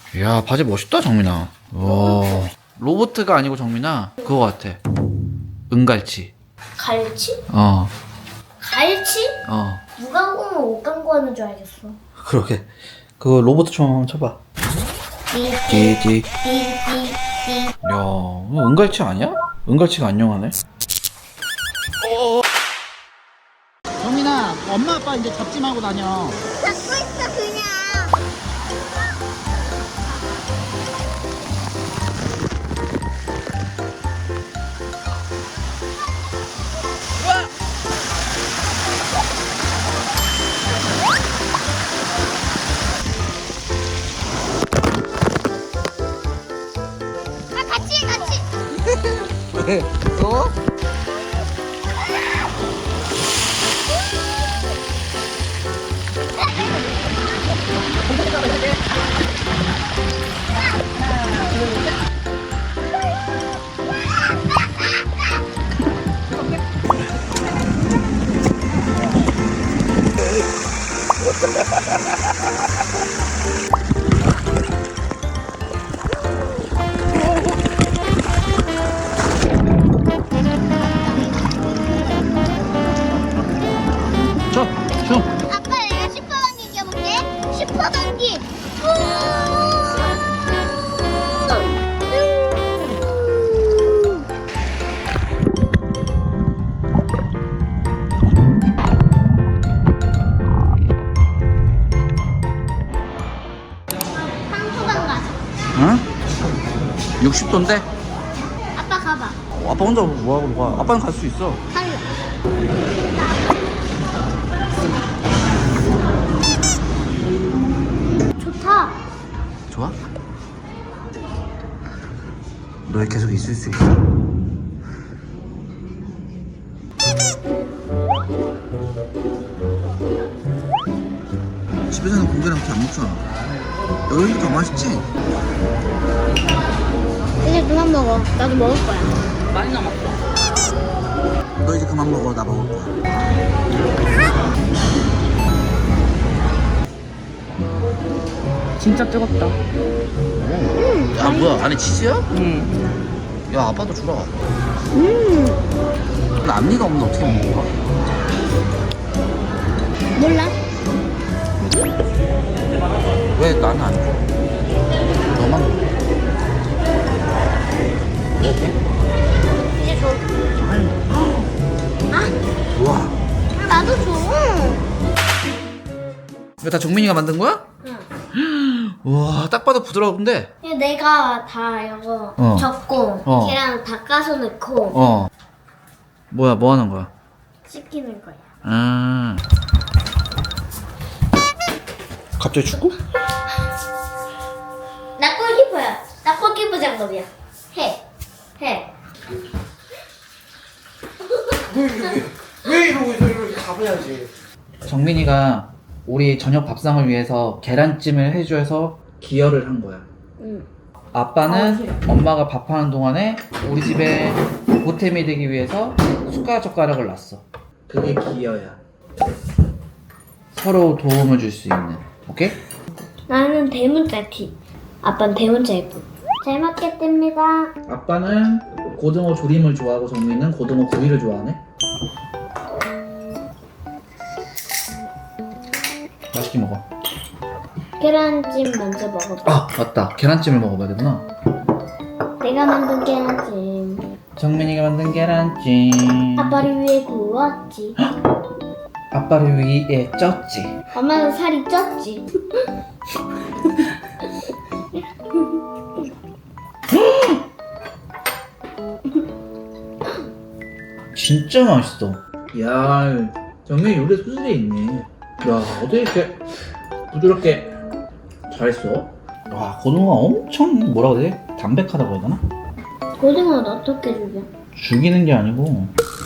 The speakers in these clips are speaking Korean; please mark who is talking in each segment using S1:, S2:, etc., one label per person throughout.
S1: 이야, 바지 멋있다, 정민아. 와, 로보트가 아니고 정민아, 그거 같아. 은갈치.
S2: 갈치?
S1: 어,
S2: 갈치?
S1: 어.
S2: 무광고는 옷광고 하는 줄 알겠어.
S1: 그러게. 그거 로보트 총 한번 쳐봐.
S2: 띠띠
S1: 띠띠.
S2: 띠띠.
S1: 야, 이거 은갈치 아니야? 은갈치가 안녕하네.
S3: 정민아, 엄마 아빠 이제 잡지 말고 다녀.
S2: 잡고 있어 그냥. 아 같이.
S3: 왜? 또?
S1: 쳐, 쳐.
S2: 아빠 내가 슈퍼방귀 이겨볼게. 슈퍼방귀. 황소방 가자.
S1: 응? 60도인데?
S2: 아빠 가봐.
S1: 아빠 혼자 뭐하고 가? 아빠는 갈 수 있어.
S2: 갈래. 좋다.
S1: 좋아? 너 계속 있을 수 있어. 집에서는 고기랑 이렇게 안 먹잖아. 여기가 더 맛있지?
S2: 이제 그만 먹어. 나도 먹을 거야.
S3: 많이 남았어.
S1: 너 이제 그만 먹어. 나 먹을 거야.
S3: 진짜 뜨겁다.
S1: 야, 뭐야? 안에 치즈야?
S3: 응.
S1: 야, 아빠도 주라. 앞니가 없는데 어떻게 먹어?
S2: 몰라.
S1: 왜 나는 안 줘? 너만 먹어.
S2: 이제 줘.
S1: 우와.
S2: 나도 줘.
S1: 이거 다 정민이가 만든 거야?
S2: 응.
S1: 우와, 딱 봐도 부드러운데?
S2: 이거 내가 다 이거
S1: 어.
S2: 적고
S1: 어.
S2: 계란 닦아서 넣고
S1: 어. 뭐야, 뭐 하는 거야?
S2: 씻기는 거야.
S1: 갑자기 축구?
S2: 나 골키퍼야. 나 골키퍼 장갑이야. 해.
S3: 왜 이러고 있어? 이렇게 가봐야지.
S1: 정민이가 우리 저녁 밥상을 위해서 계란찜을 해줘서 기여를 한 거야.
S2: 응.
S1: 아빠는 엄마가 밥하는 동안에 우리 집에 보탬이 되기 위해서 숟가락 젓가락을 놨어. 그게 기여야. 서로 도움을 줄 수 있는. 오케이?
S2: 나는 대문자 티. 아빠는 대문자 예쁜. 잘 먹겠습니다.
S1: 아빠는 고등어 조림을 좋아하고 정민이는 고등어 구이를 좋아하네. 맛있게 먹어.
S2: 계란찜 먼저 먹어봐.
S1: 아, 맞다. 계란찜을 먹어봐야 되구나.
S2: 내가 만든 계란찜.
S1: 정민이가 만든 계란찜.
S2: 아빠를 위해 구웠지.
S1: 아빠를 위해 쪘지.
S2: 엄마는 살이 쪘지.
S1: 진짜 맛있어. 야, 정민이 요리에 소질이 있네. 야, 어떻게 이렇게 부드럽게 잘했어? 와, 고등어가 엄청 뭐라고 해야 돼? 담백하다고 해야 되나?
S2: 고등어는 어떻게 죽여?
S1: 죽이는 게 아니고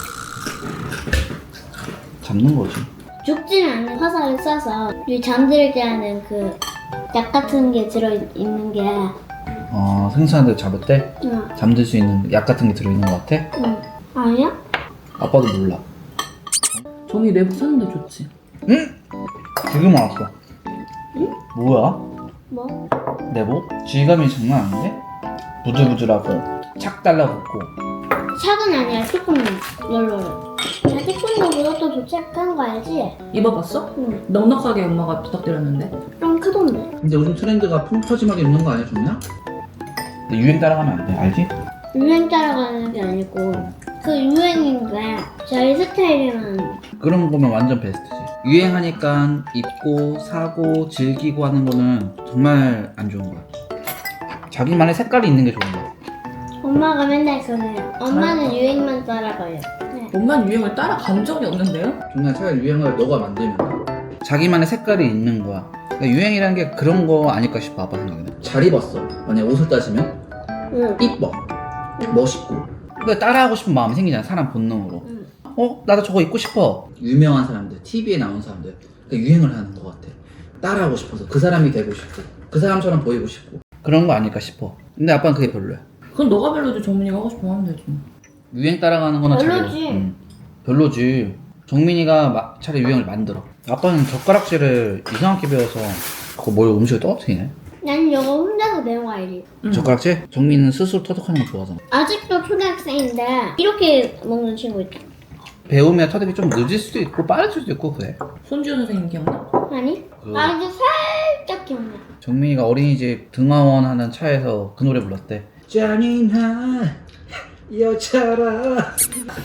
S1: 잡는 거지.
S2: 죽지는 않는 화살을 쏴서 이 잠들게 하는 그 약 같은 게 들어있는 게
S1: 생선한테 잡을 때
S2: 응.
S1: 잠들 수 있는 약 같은 게 들어있는 것 같아?
S2: 응. 아니야?
S1: 아빠도 몰라.
S3: 종이 내부 샀는데 좋지.
S1: 응? 지금 알았어.
S2: 응?
S1: 뭐야?
S2: 뭐?
S1: 내복? 질감이 장난 아닌데? 부들부들하고 착 달라붙고.
S2: 샥은 아니야. 조금 널널해. 나 태권도보다 더 도착한 거 알지?
S4: 입어봤어?
S2: 응.
S4: 넉넉하게 엄마가 부탁드렸는데.
S2: 좀 크던데.
S1: 근데 요즘 트렌드가 펑퍼짐하게 입는 거 아니야, 좋냐? 근데 유행 따라가면 안 돼, 알지?
S2: 유행 따라가는 게 아니고 그 유행인데 저희 스타일이면
S1: 그런 거면 완전 베스트지. 유행하니까 입고 사고 즐기고 하는 거는 정말 안 좋은 거야. 자기만의 색깔이 있는 게 좋은 거야.
S2: 엄마가 맨날 그래요. 엄마는 유행만 따라가요. 네.
S4: 엄마는 유행을 따라간 적이 없는데요?
S1: 정말 차라리 유행을 너가 만들면 돼. 자기만의 색깔이 있는 거야. 그러니까 유행이라는 게 그런 거 아닐까 싶어, 아빠 생각에는. 잘 입었어. 만약 옷을 따지면
S2: 응.
S1: 이뻐, 멋있고. 그러니까 따라하고 싶은 마음이 생기잖아, 사람 본능으로.
S2: 응.
S1: 나도 저거 입고 싶어. 유명한 사람들, TV에 나온 사람들, 그러니까 유행을 하는 것 같아. 따라하고 싶어서 그 사람이 되고 싶고, 그 사람처럼 보이고 싶고. 그런 거 아닐까 싶어. 근데 아빠는 그게 별로야.
S4: 그럼 너가 별로지 정민이가 하고 싶으면 하면 되지.
S1: 유행 따라가는 거는
S2: 별로지.
S1: 별로지. 정민이가 차라리 유행을 만들어. 아빠는 젓가락질을 이상하게 배워서 그거 뭘 음식을 떨어뜨리네.
S2: 난 이거 혼자서 배운 거 알지?
S1: 젓가락질? 정민이는 스스로 터득하는 거 좋아하잖아.
S2: 아직도 초등학생인데 이렇게 먹는 친구 있다.
S1: 배우면 터득이 좀 늦을 수도 있고 빠를 수도 있고 그래.
S4: 손지훈 선생님 기억나?
S2: 아니?
S1: 그-
S2: 아주 살짝 기억나.
S1: 정민이가 어린이집 등하원 하는 차에서 그 노래 불렀대. 잔인한 여자라.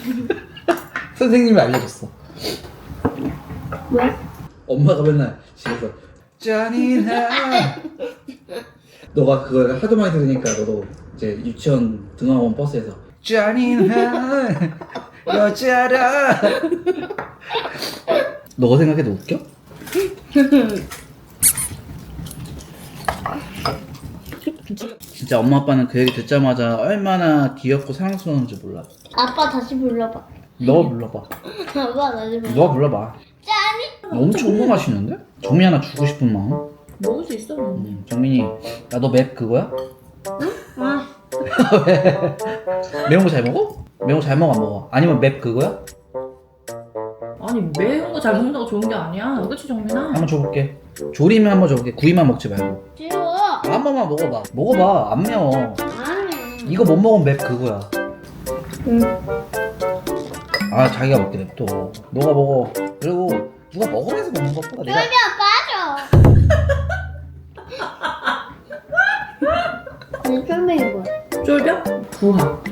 S1: 선생님이 알려줬어.
S2: 왜?
S1: 엄마가 맨날 집에서 잔인한. 너가 그걸 하도 많이 들으니까 너도 이제 유치원 등하원 버스에서 잔인한 여자라. 너가 생각해도 웃겨? 진짜 엄마 아빠는 그 얘기 듣자마자 얼마나 귀엽고 사랑스러운지 몰라.
S2: 아빠 다시 불러봐.
S1: 너가 불러봐.
S2: 아빠 다시 불러봐.
S1: 너가 불러봐.
S2: 짠이?
S1: 엄청 궁금하시는데? 정민이 하나 주고 싶은 마음.
S4: 먹을 수 있어.
S1: 정민이, 나 너 맵 그거야?
S2: 아,
S1: 매운 거 잘 먹어? 매운 거 잘 먹어 안 먹어? 아니면 맵 그거야?
S4: 아니 매운 거 잘 먹는다고 좋은 게 아니야. 그치 정민아?
S1: 한번 줘볼게. 조리면 한번 줘볼게. 구이만 먹지 말고.
S2: 지워.
S1: 한 번만 먹어봐. 먹어봐. 안 매워.
S2: 아니.
S1: 이거 못 먹으면 맵 그거야.
S2: 응.
S1: 아 자기가 먹게 냅둬. 너가 먹어. 그리고 누가 먹으면서 먹는 것보다 내가
S2: 쫄면 빠져. 쫄면이 뭐야?
S4: 쫄병? 부하.